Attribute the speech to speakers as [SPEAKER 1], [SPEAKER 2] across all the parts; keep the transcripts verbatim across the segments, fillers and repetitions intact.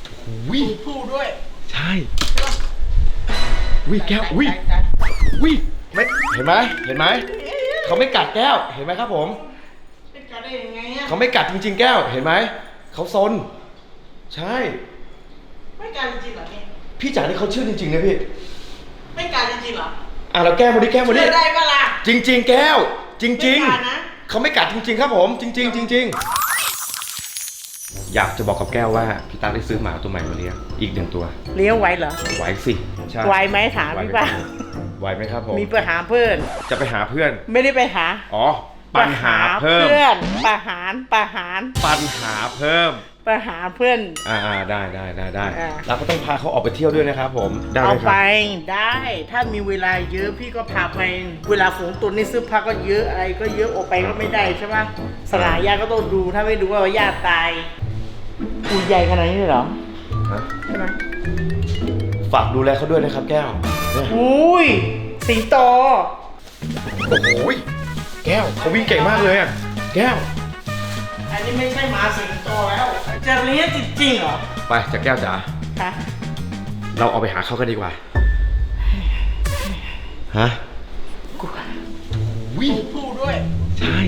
[SPEAKER 1] วิ
[SPEAKER 2] ผู้ด้วย
[SPEAKER 1] ใช่วิแก้ววิวิไม่เห็นไหมเห็นไหมเขาไม่กัดแก้วเห็นไหมครับผม
[SPEAKER 2] ไม่กัดได้ยังไงอะ
[SPEAKER 1] เขาไม่กัดจริงๆแก้วเห็นไหมเขาซนใช่
[SPEAKER 2] ไม่กัดจริงๆเหรอเนี่ย
[SPEAKER 1] พี่จ๋านี่เขาเชื่อจริงๆนะพี่
[SPEAKER 2] ไม่กัดจริงๆเหรอ
[SPEAKER 1] อ่ะเราแก้วมาดิแก้วมาดิ
[SPEAKER 2] เชื่อได้ปะล่ะ
[SPEAKER 1] จริงๆแก้วจริง
[SPEAKER 2] ๆนะ
[SPEAKER 1] เขาไม่กัดจริงๆครับผมจริงๆจริงๆอยากจะบอกกับแก้วว่าพี่ตาได้ซื้อหมาตัวใหม่มาเลี้ยงอีกหนึ่งตัว
[SPEAKER 2] เลี้ยงไว้เหรอ
[SPEAKER 1] ไหวสิใช่
[SPEAKER 2] ไหวไหมถามพี่ป้า
[SPEAKER 1] ไหวไหมครับผม
[SPEAKER 2] มีไปหาเพื่อน
[SPEAKER 1] จะไปหาเพื่อน
[SPEAKER 2] ไม่ได้ไปหา
[SPEAKER 1] อ๋อปัญหาเพิ่ม
[SPEAKER 2] เพื่อนปัญหาปัญหา
[SPEAKER 1] ปัญหาเพิ่ม
[SPEAKER 2] ปัญหาเพื่อน
[SPEAKER 1] อ่าได้ได้ได้ได้เราก็ต้องพาเขาออกไปเที่ยวด้วยนะครับผมได้เอา
[SPEAKER 2] ไปได้ถ้ามีเวลาเยอะพี่ก็พาไปเวลาฝูงตุนนี่ซื้อพักก็เยอะอะไรก็เยอะออกไปก็ไม่ได้ใช่ไหมสลายญาก็ต้องดูถ้าไม่ดูว่าญาติตายปูใหญ่ขนาดนี้เลยเหรอใช่ไหม
[SPEAKER 1] ฝากดูแลเขาด้วยนะครับแก้ว
[SPEAKER 2] อุ้ยสิงโต
[SPEAKER 1] โอ้โหแก้วเขาวิ่งเก่งมากเลยอ่ะแก้ว
[SPEAKER 2] อันนี้ไม่ใช่หมาสิงโตแล้วจะเลี้ยงจริงๆเหรอ
[SPEAKER 1] ไปจากแก้วจ๋าเราเอาไปหาเขากันดีกว่าฮะ
[SPEAKER 2] กูวิ่งผู้ด้วย
[SPEAKER 1] ใช่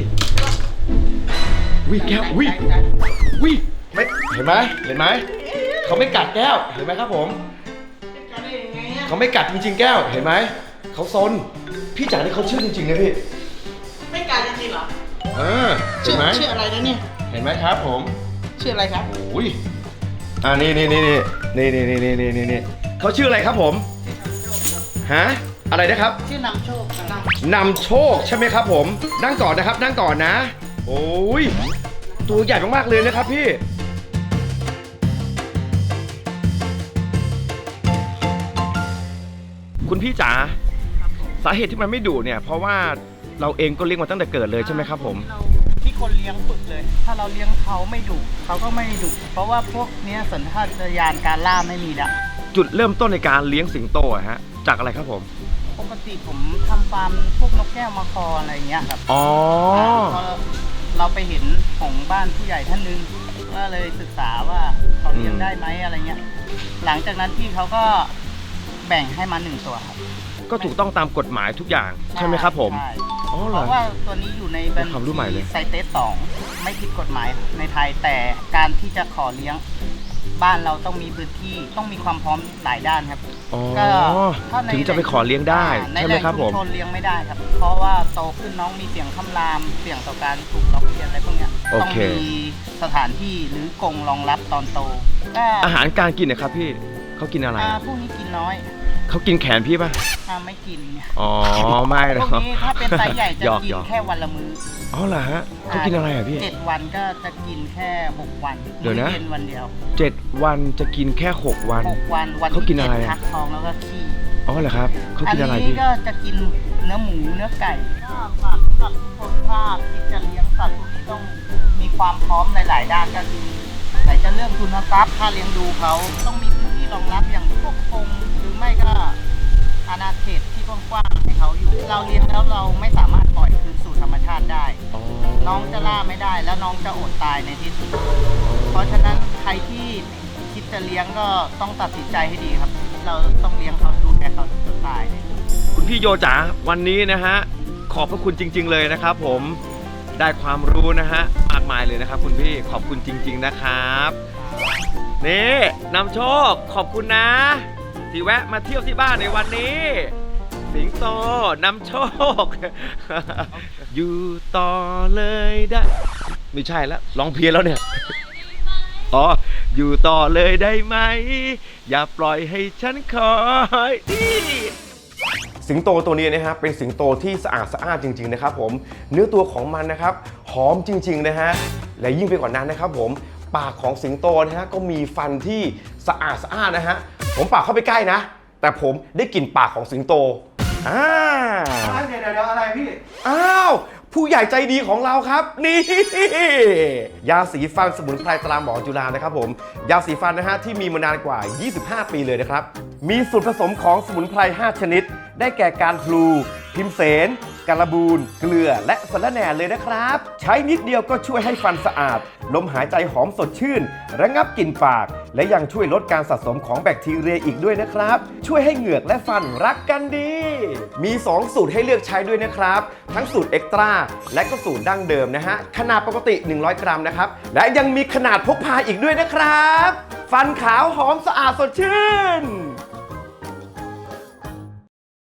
[SPEAKER 1] วิ่งแก้ววิ่งวิ่งไม่เห็นไหมเห็นไหมเขาไม่กัดแก้วเห็นไหมครับผมเขาไม่กัดจริงๆแก้วเห็นไหมเขาซนพี่จ๋านี่เขาเชื่อจริงๆนะพี่
[SPEAKER 2] ไม่กัดจริงๆเหรอ
[SPEAKER 1] เออเห็นไหม
[SPEAKER 2] ชื่ออะไรนะเนี่ย
[SPEAKER 1] เห็นไหมครับผม
[SPEAKER 2] ชื่ออะไรครับ
[SPEAKER 1] โอ้ยอ่านี่นี่นี่นี่นี่นี่นี่นี่นี่นี่เขาชื่ออะไรครับผมฮะอะไรนะครับ
[SPEAKER 2] ชื่อนำโชคนะ
[SPEAKER 1] นำโชคใช่ไหมครับผมนั่งก่อนนะครับนั่งก่อนนะโอ้ยตัวใหญ่มากๆเลยนะครับพี่คุณพี่จ๋าสาเหตุที่มันไม่ดุเนี่ยเพราะว่าเราเองก็เลี้ยงมาตั้งแต่เกิดเลยใช่ไหมครับผม
[SPEAKER 2] ที่คนเลี้ยงฝึกเลยถ้าเราเลี้ยงเขาไม่ดุเขาก็ไม่ดุเพราะว่าพวกนี้สัญชาตญาณการล่าไม่มีละ
[SPEAKER 1] จุดเริ่มต้นในการเลี้ยงสิงโตอะฮะจากอะไรครับผม
[SPEAKER 2] ปกติผมทำฟาร์มพวกนกแก้วมาคออะไรเงี้ยครับ
[SPEAKER 1] อ๋อ
[SPEAKER 2] พอเราไปเห็นของบ้านผู้ใหญ่ท่านนึงก็เลยศึกษาว่าเขาเลี้ยงได้ไหมอะไรเงี้ยหลังจากนั้นพี่เขาก็แบ่งให้มาหนึ่งตัวครับ
[SPEAKER 1] ก็ถูกต้องตามกฎหมายทุกอย่างใช่ไหมครับผม
[SPEAKER 2] เพราะว่าตัวนี้อยู่ในบัญชีไซเตสสองไม่ผิดกฎหมายในไทยแต่การที่จะขอเลี้ยงบ้านเราต้องมีพื้นที่ต้องมีความพร้อมหลายด้านครับ
[SPEAKER 1] ก็ถึงจะไปขอเลี้ยงได้ใช่ไหมครับผม
[SPEAKER 2] ในแหล่งชุมชนเลี้ยงไม่ได้ครับเพราะว่าโตขึ้นน้องมีเสี่ยงคำรามเสี่ยงต่อการถูกล็อกเรียนอะไรพวกนี้ต้องมีสถานที่หรือกรงรองรับตอนโต
[SPEAKER 1] อาหารการกินนะครับพี่เขากินอะไร
[SPEAKER 2] พวกนี้กินน้อย
[SPEAKER 1] เขากินแขนพี่ป่ะ
[SPEAKER 2] ไม่กิน
[SPEAKER 1] อ๋อไม่หรอก
[SPEAKER 2] พวกนี้ถ้าเป็นไซส์ใหญ่จะกินแค่วันละมื้อ
[SPEAKER 1] อ๋อเหรอฮะเขากินอะไรอ่ะพี่
[SPEAKER 2] เจ็ดวันก็จะกินแค่หกวัน
[SPEAKER 1] เดี๋ยวนะ
[SPEAKER 2] เย็นวันเดียว
[SPEAKER 1] เจ็ดวันจะกินแค่หกวัน
[SPEAKER 2] หกวันวัน
[SPEAKER 1] เขากินอะไร
[SPEAKER 2] พักท้องแล้วก็ขี้
[SPEAKER 1] อ๋อเหรอครับเขากินอะไรพี่
[SPEAKER 2] อันนี้ก็จะกินเนื้อหมูเนื้อไก่ก็ฝากสำหรับคนภาคที่จะเลี้ยงสัตว์พวกนี้ต้องมีความพร้อมหลายๆด้านก็คือไหนจะเรื่องทุนทรัพย์ค่าเลี้ยงดูเขาต้องมีพื้นที่รองรับอย่างพวกกรงหรือไม่ก็อาณาเขตที่กว้างๆให้เขาอยู่เราเลี้ยงแล้วเราไม่สามารถปล่อยคืนสู่ธรรมชาติได้น้องจะล่าไม่ได้แล้วน้องจะอดตายในที่สุดเพราะฉะนั้นใครที่คิดจะเลี้ยงก็ต้องตัดสินใจให้ดีครับเราต้องเลี้ยงเขาดูแลเขาจนตาย
[SPEAKER 1] คุณพี่โยจ๋าวันนี้นะฮะขอบพระคุณจริงๆเลยนะครับผมได้ความรู้นะฮะมากมายเลยนะครับคุณพี่ขอบคุณจริงๆนะครับนี่นำโชคขอบคุณนะที่แวะมาเที่ยวที่บ้านในวันนี้สิงโตนำโชค อยู่ต่อเลยได้ไม่ใช่แล้วร้องเพี้ยนแล้วเนี่ยอ๋ออยู่ต่อเลยได้ไหมอย่าปล่อยให้ฉันคอยสิงโตตัวนี้นะครับเป็นสิงโตที่สะอาดสะอาดจริงๆนะครับผมเนื้อตัวของมันนะครับหอมจริงๆนะฮะและยิ่งไปกว่านั้นนะครับผมปากของสิงโตนะฮะก็มีฟันที่สะอาดสะอาดนะฮะผมปากเข้าไปใกล้นะแต่ผมได้กลิ่นปากของสิงโตอ่า
[SPEAKER 2] เดี๋ยวเดี๋ยวอะไรพี่
[SPEAKER 1] อ้าวผู้ใหญ่ใจดีของเราครับนี่ยาสีฟันสมุนไพรตราหมอจุฬานะครับผมยาสีฟันนะฮะที่มีมานานกว่ายี่สิบห้าปีเลยนะครับมีส่วนผสมของสมุนไพรห้าชนิดได้แก่การพลูพิมเสนการบูนเกลือและสะระแหน่เลยนะครับ ใช้นิดเดียวก็ช่วยให้ฟันสะอาด ลมหายใจหอมสดชื่น ระงับกลิ่นปาก และยังช่วยลดการสะสมของแบคทีเรียอีกด้วยนะครับ ช่วยให้เหงือกและฟันรักกันดี มี สอง สูตรให้เลือกใช้ด้วยนะครับ ทั้งสูตรเอ็กตร้าและก็สูตรดั้งเดิมนะฮะ ขนาดปกติ หนึ่งร้อย กรัมนะครับ และยังมีขนาดพกพาอีกด้วยนะครับ ฟันขาวหอมสะอาดสดชื่น